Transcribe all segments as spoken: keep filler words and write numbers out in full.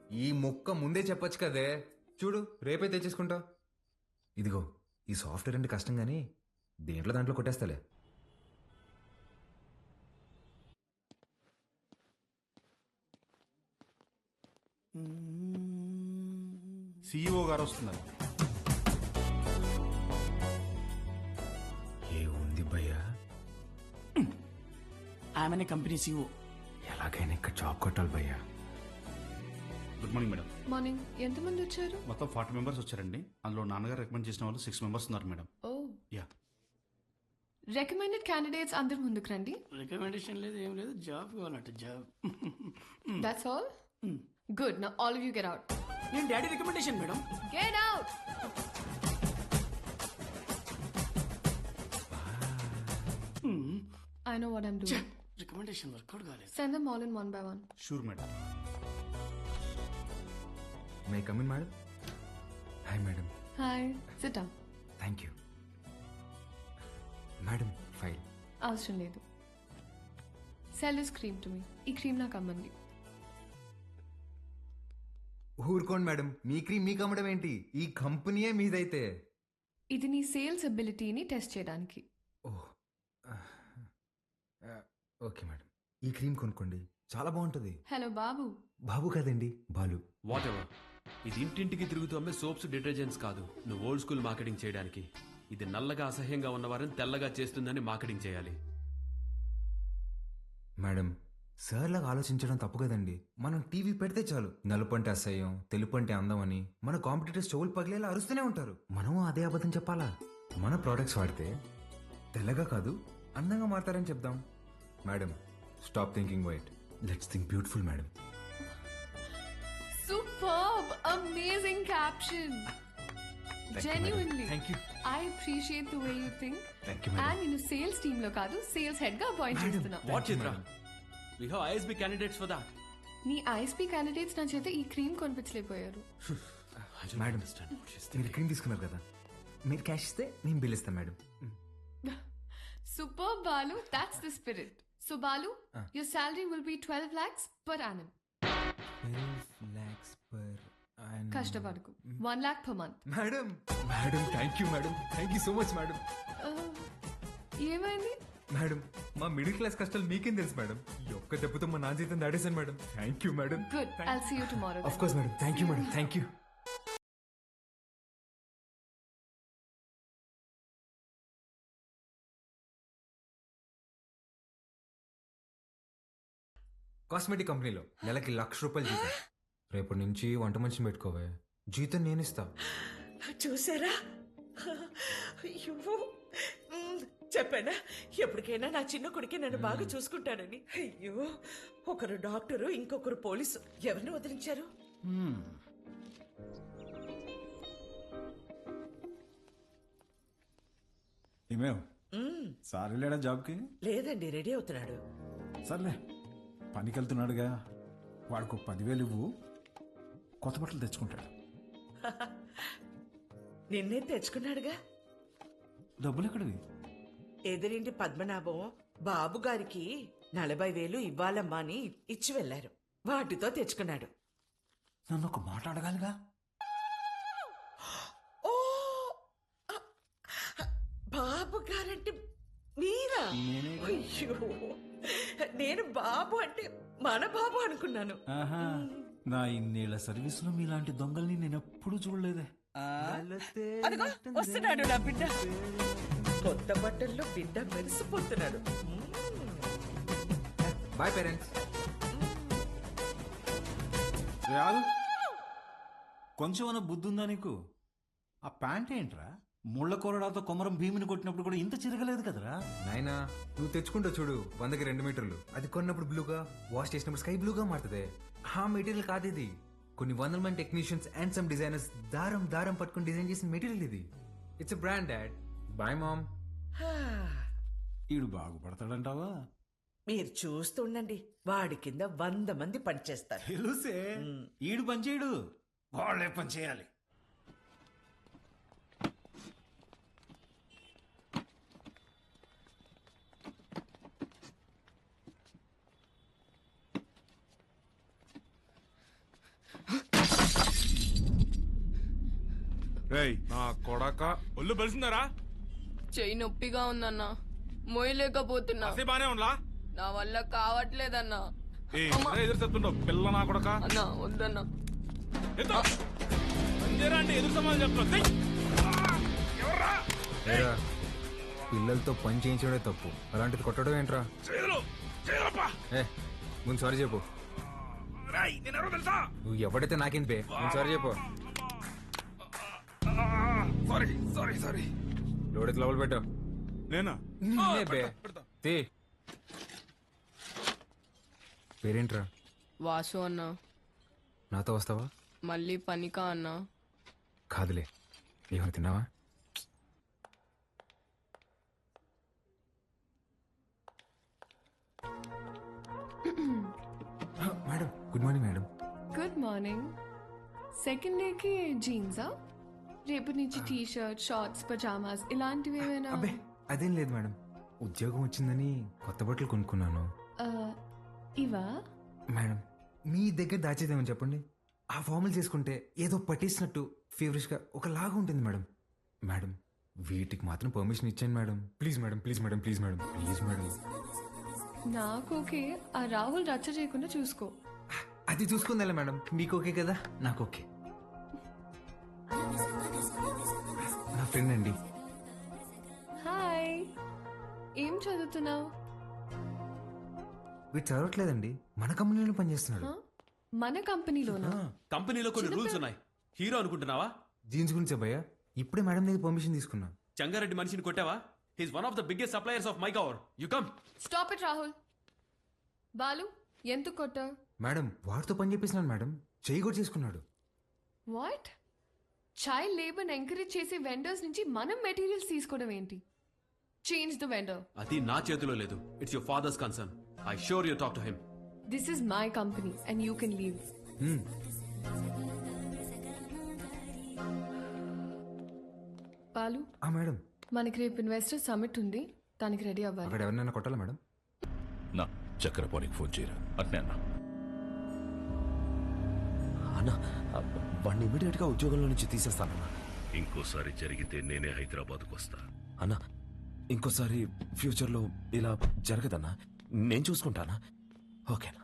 ఈ ముక్క ముందే చెప్పొచ్చు కదే. చూడు రేపే తెచ్చేసుకుంటా. ఇదిగో ఈ సాఫ్ట్వేర్ అంటే కష్టం కానీ దేంట్లో దాంట్లో కొట్టేస్తాలే. సిఇఓ గారు వస్తున్నారు. ఏ ఉంది భయ్యా? ఆమెనే కంపెనీ సీఓ. ఎలాగైనా ఇక్కడ జాబ్ కొట్టాలి భయ్యా. Good morning madam. మార్నింగ్. ఎంతమంది వచ్చారు? మొత్తం ఫార్టీ మెంబర్స్ వచ్చారండి. అందులో నాన్నగారు రికమెండ్ చేసిన వాళ్ళు సిక్స్ మెంబర్స్ ఉన్నారు madam. Oh, yeah. Recommended candidates అందరు ముందుకు రండి. రికమెండేషన్ లేదు, ఏం లేదు, జాబ్ కావాలంట job. That's all. Good. Now all of you get out. నేను daddy recommendation madam. Get out. I know what I'm doing. Recommendation work out కాలేదు. Send them all in one by one. Sure madam. May come in madam. Hi madam. Hi. Sit down. Thank you madam. File అవసరం లేదు. Sell this cream to me. ఈ cream నాకు అమ్మండి. ఊరుకోండి madam, మీ cream మీకు అమ్మడం ఏంటి? ఈ కంపెనీయే మీదైతే. ఇది నీ సేల్స్ అబిలిటీని టెస్ట్ చేయడానికి. ఓహ్ ఓకే మేడం, ఈ క్రీమ్ కొనుక్కోండి, చాలా బాగుంటుంది. హలో బాబు. బాబు కాదండి, బాలు. What ever. ఇది ఇంటింటికి తిరుగుతూ అమ్మే సోప్స్ డిటర్జెంట్స్ కాదు. నువ్వు ఓల్డ్ స్కూల్ మార్కెటింగ్ చేయడానికి. ఇది నల్లగా అసహ్యంగా ఉన్నవారిని తెల్లగా చేస్తుందని మార్కెటింగ్ చేయాలి. మేడం, సార్ లాగా ఆలోచించడం తప్పు కదండి. మనం టీవీ పెడితే చాలు నలుపు అంటే అసహ్యం, తెలుపు అంటే అందం అని మన కాంపిటీటర్స్ చెవులు పగిలేలా అరుస్తూనే ఉంటారు. మనం అదే అబద్ధం చెప్పాలా? మన ప్రోడక్ట్స్ వాడితే తెల్లగా కాదు అందంగా మారతారని చెప్దాం. Madam, stop thinking white, let's think beautiful madam. Superb. Amazing caption. Genuinely. Thank you. I appreciate the way you think. Thank you madam. And నేను సేల్స్ టీమ్ లో కాదు, సేల్స్ హెడ్ గా అపాయింట్ చేస్తున్నా. What Chitra? We have ISB candidates for that. నీ ISP candidates నా చేత ఈ cream కొనిపించలేకపోయారు. మేడం, మీరు క్రీమ్ తీసుకున్నారు కదా, మీరు క్యాష్ ఇస్తే నేను బిల్ ఇస్తాను madam. Superb, Balu. That's the spirit. So Balu, your salary will be twelve lakhs per annum. Twelve lakhs per annum. కష్టపడకు. one lakh per month. Madam, madam thank you madam, thank you so much madam. Uh, ఏమైంది? Madam, మా middle class కష్టాలు మీకేం తెలుసు madam. ఈ ఒక్క దెబ్బతో మా నా జీతం దాడేశాను madam. Thank you madam. Good. I'll see you tomorrow. Of course madam. Thank you madam. Thank you. Cosmetic కంపెనీలో నెలకి లక్ష రూపాయలు జీతం. రేపటి నుంచి వంట మనిషిని పెట్టుకోవే, జీతం నేను ఇస్తా. చూసారా? అయ్యో, మ్, చెప్పానా ఎప్పటికైనా నా చిన్న కొడుకే నన్ను బాగా చూసుకుంటానని. అయ్యో, ఒకరు డాక్టరు, ఇంకొకరు పోలీసు. ఎవరిని వదిలించారు? ఏమేవ్ సార్ వెళ్ళాడా జాబ్కి? లేదండి, రెడీ అవుతున్నాడు. సర్లే, పనికి వెళ్తున్నాడుగా, వాడికి ఒక పదివేలు ఇవ్వు, కొత్త బట్టలు తెచ్చుకుంటాడు. నిన్నే తెచ్చుకున్నాడుగా. డబ్బులు ఎక్కడివి? ఎదురింటి పద్మనాభం బాబు గారికి నలభై వేలు ఇవ్వాలమ్మా అని ఇచ్చి వెళ్లారు. వాటితో తెచ్చుకున్నాడు. నన్ను ఒక మాట అడగాలిగా. ఓ, బాబు గారంటే మీరా? అయ్యో, నేను బాబు అంటే మన బాబు అనుకున్నాను. ఆహా, నా ఇన్నేళ్ల సర్వీస్ లో మీలాంటి దొంగల్ని నేను ఎప్పుడు చూడలేదే. అదిగో వస్తున్నాడు నా బిడ్డ. కొత్త బట్టల్లో బిడ్డ మెరిసిపోతున్నాడు. Boy parents. రాదు, కొంచెం అన్న బుద్ధి ఉందా నీకు? ఆ ప్యాంట్ ఏంట్రా, ముళ్ళ కొరడాతో కొమరం భీమిని కొట్టినప్పుడు కూడా ఇంత చిరగలేదు కదరా. నాయనా, నువ్వు తెచ్చుకుంటావు చూడు వందకి రెండు మీటర్లు, అది కొన్నప్పుడు బ్లూగా, వాష్ చేసినప్పుడు స్కై బ్లూగా మారుతుంది. ఆ మెటీరియల్ కాదు ఇది. కొన్ని వందల మంది టెక్నీషియన్స్ అండ్ సమ్ డిజైనర్స్ దారం దారం పట్టుకుని డిజైన్ చేసిన మెటీరియల్ ఇది. It's a brand dad. Bye mom. ఈడు బాగుపడతాడంటావా? మీరు చూస్తుండండి, వాడి కింద వంద మంది పనిచేస్తారు. తెలుసే, ఈడు పనిచేయడు, వాళ్ళే పని చేయాలి. రేయ్ నా కొడక ఒళ్ళు బలిసిందరా చెయ్యి నొప్పిగా ఉందన్నా మోయలేకపోతున్నా అసే బానే ఉండలా నా వల్ల కావట్లేదన్నా ఏ ఎదురు చెప్తుండవు పిల్ల నా కొడక అన్నా వద్దన్నా ఎత్తో. అంతేరా అంటే ఎదురు సమాధానం చెప్తున్నావు ఎవర్రా ఏరా, పిల్లలతో పని చేయించడమే తప్పు, అలాంటిది కొట్టడం ఏంట్రా? చేతులు చేతులప్పా ఏ ముందు సారీ చెప్పు. రాయ్ నేను ఎవరో తెలుసా నువ్వు ఎవడైతే నాకేంటి బే, ముందు సారీ చెప్పు. సారీ సారీ సారీ లోడెత్తి లోపల పెట్టు. నేనా నిన్నే బే. పెడతా. తీ. పేరేంట్రా? వాసు అన్నా నాతో వస్తావా? మళ్ళీ పనికా అన్నా కాదులే, ఏమైనా తిన్నావా? Madam good morning madam. Good morning. Second డేకి జీన్సా? రేపటి నుంచి టీ షర్ట్, షార్ట్స్, పజామాస్ ఇలాంటివి ఏమైనా? అబ్బే అదేం లేదు మేడం, ఉద్యోగం వచ్చిందని కొత్త బట్టలు కొనుక్కున్నాను. ఆ, ఇవా? మేడం మీ దగ్గర దాచేదేమని చెప్పండి, ఆ ఫార్మల్ చేసుకుంటే ఏదో పట్టేసినట్టు ఫేవరెట్గా ఒకలాగా ఉంటుంది మేడం. మేడం వీటికి మాత్రం పర్మిషన్ ఇచ్చాను madam. Please madam please madam please madam please madam. నాకు ఓకే, ఆ రాహుల్ రచ్చ చేయకుండా చూసుకో. అది చూసుకుందా మేడం, మీకు ఓకే కదా, నాకు ఓకే. నా ఫ్రెండ్ అండి. హాయ్, ఏం చదువుతున్నావు? వీడు చదవట్లేదండి, మన కంపెనీలో పనిచేస్తున్నాడు. మన కంపెనీలోనా? కంపెనీలో కొన్ని రూల్స్ ఉన్నాయి. హీరో అనుకుంటున్నావా? జీన్స్ గురించి భయ్యా, ఇప్పుడే మేడం దగ్గర పర్మిషన్ తీసుకున్నా. చంగారెడ్డి మనిషిని కొట్టావా? He's one of the biggest suppliers of my cover. You come. Stop it Rahul. Balu, ఎంత కొట్ట? మేడం వాడితో పని చేపిస్తున్నాను మేడం, చెయ్యి కూడా చేసుకున్నాడు. వాట్? చైల్డ్ లేబర్ ఎంకరేజ్ చేసే వెండర్స్ నుంచి మనం మెటీరియల్స్ తీసుకోవడం ఏంటి? Change the vendor. అది నా చేతిలో లేదు. It's your father's concern. I sure you talk to him. This is my company and you can leave. Balu, ఆ మేడం, మనకి రేపు ఇన్వెస్టర్ సమిట్ ఉంది, దానికి రెడీ అవ్వాలి. అక్కడ ఎవరినైనా కొట్టాలా మేడం? నా చక్రపాణికి ఫోన్ చేయరా అట్నే అన్నా. అన్నా వాడిని ఇమీడియట్ గా ఉద్యోగంలో నుంచి తీసేస్తానన్నా. ఇంకోసారి జరిగితే నేనే హైదరాబాద్కు వస్తా. అన్నా ఇంకోసారి ఫ్యూచర్ లో ఇలా జరగదన్నా, నేను చూసుకుంటానా? ఓకేనా?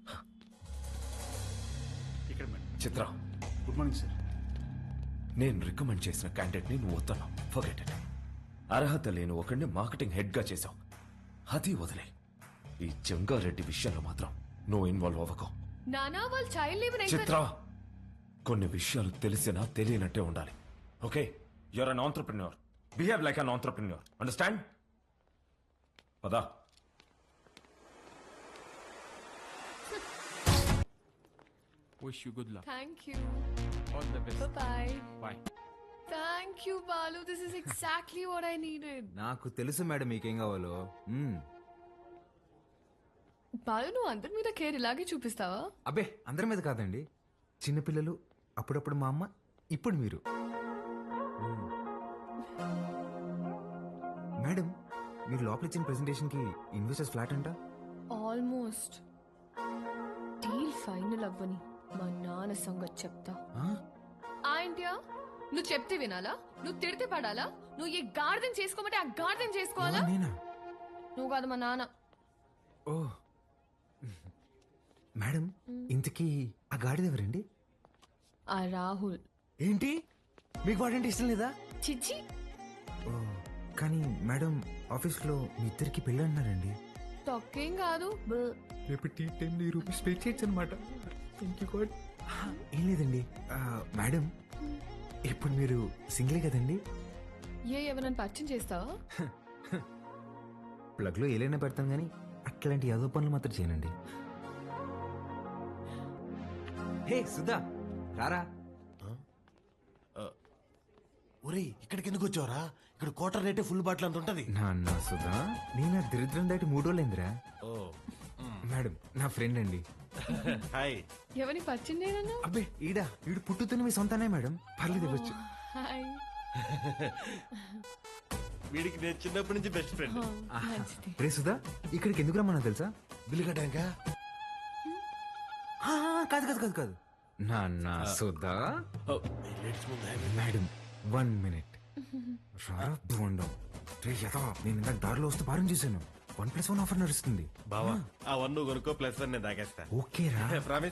ఇక్కడ madam. Chitra, good morning sir. నేను రికమెండ్ చేసిన క్యాండిడేట్ ని నువ్వు వద్దన్నావు. Forget it. అర్హత లేని ఒకడిని మార్కెటింగ్ హెడ్ గా చేశావు, అది వదిలే. ఈ జంగారెడ్డి విషయంలో మాత్రం నువ్వు ఇన్వాల్వ్ అవ్వకు. నానా, వాళ్ళు చైల్డ్ లేబర్ చిత్ర, కొన్ని విషయాలు తెలిసినా తెలియనట్టే ఉండాలి. Okay, you're an entrepreneur. Behave like an entrepreneur. Understand? పదా. Wish you good luck. Thank you. All the best. Bye. Bye. Thank you Balu, this is exactly what I needed. నాకు తెలుసు మేడం మీకేం కావాలో. మ్మ్. బాలు, నువ్వు అందరి మీద కేర్ ఇలాగే చూపిస్తావా? అబ్బే అందరి మీద కాదండి, చిన్నపిల్లలు, అప్పుడప్పుడు మా అమ్మ, ఇప్పుడు మీరు. మ్మ్. మేడం మీరు లోపల ఇచ్చిన ప్రెజెంటేషన్ కి ఇన్వెస్టర్స్ ఫ్లాట్ అంట. ఆల్మోస్ట్. డీల్ ఫైనల్ అవ్వని మా నాన్న సంగతి చెప్తా. ఆ? ఆంటియా, నువ్వు చెప్తే వినాలా? నువ్వు తిడితే పడాలా? నువ్వు ఏ గార్డెన్ చేసుకోమంటే ఆ గార్డెన్ చేసుకోవాలా? ఎవరు నేనా? నువ్వు కాదు, మా నాన్న. ఓ మేడం, ఇంతకీ ఆ గాడిద ఎవరండి? ఆ రాహుల్. ఏంటి, మీకు వాడంటే ఇష్టం లేదా? చిచ్చి. ఓ కానీ మేడం ఆఫీస్లో మీ ఇద్దరికి పెళ్ళి అన్నారండి. తొక్కేం కాదు. రేపు టీ టైంలో ఈ రూపీస్ పే చేయొచ్చు అనమాట. ఏం లేదండి ఆ, మేడం ఇప్పుడు మీరు సింగిలే కదండి? ఏ ఎవరైనా పరిచయం చేస్తావా? ప్లగ్లో ఏలైనా పెడతాం కానీ అట్లాంటి యాదో పనులు మాత్రం చేయనండి. హే సుధా, రారా. ఒరేయ్, ఇక్కడికి ఎందుకు వచ్చావరా? ఇక్కడ క్వార్టర్ రేటే ఫుల్ బాటిల్ అంత ఉంటది. నాన్న సుధా, నేను ఆ దరిద్రం దాటి మూడు రోజులైందిరా. మేడం నా ఫ్రెండ్ అండి. హాయ్. ఎవరిని పరిచయం చేయనన్నా? అబ్బే ఈడా, ఈడు పుట్టుతున్న మీ సొంతనే మేడం, పర్లేదు ఇవ్వచ్చు. హాయ్. వీడికి నేను చిన్నప్పటి నుంచి బెస్ట్ ఫ్రెండ్. మంచిది. రే సుధా, ఇక్కడికి ఎందుకు రమ్మన్నా తెలుసా? బిల్లు కట్టాక ఆ, కాదు కాదు కాదు కాదు నాన్న సుధా. మేడం వన్ మినిట్ రారా బోండం. రే యథా, నేను ఇందాక దారిలో వస్తూ భారం చేశాను. వన్ ప్లస్ వన్ ఆఫర్ నడుస్తుంది. బావా ఆ వన్ నువ్వు కొనుక్కో ప్లస్ వన్ నేను తాగేస్తా ఓకేరా ప్రామిస్.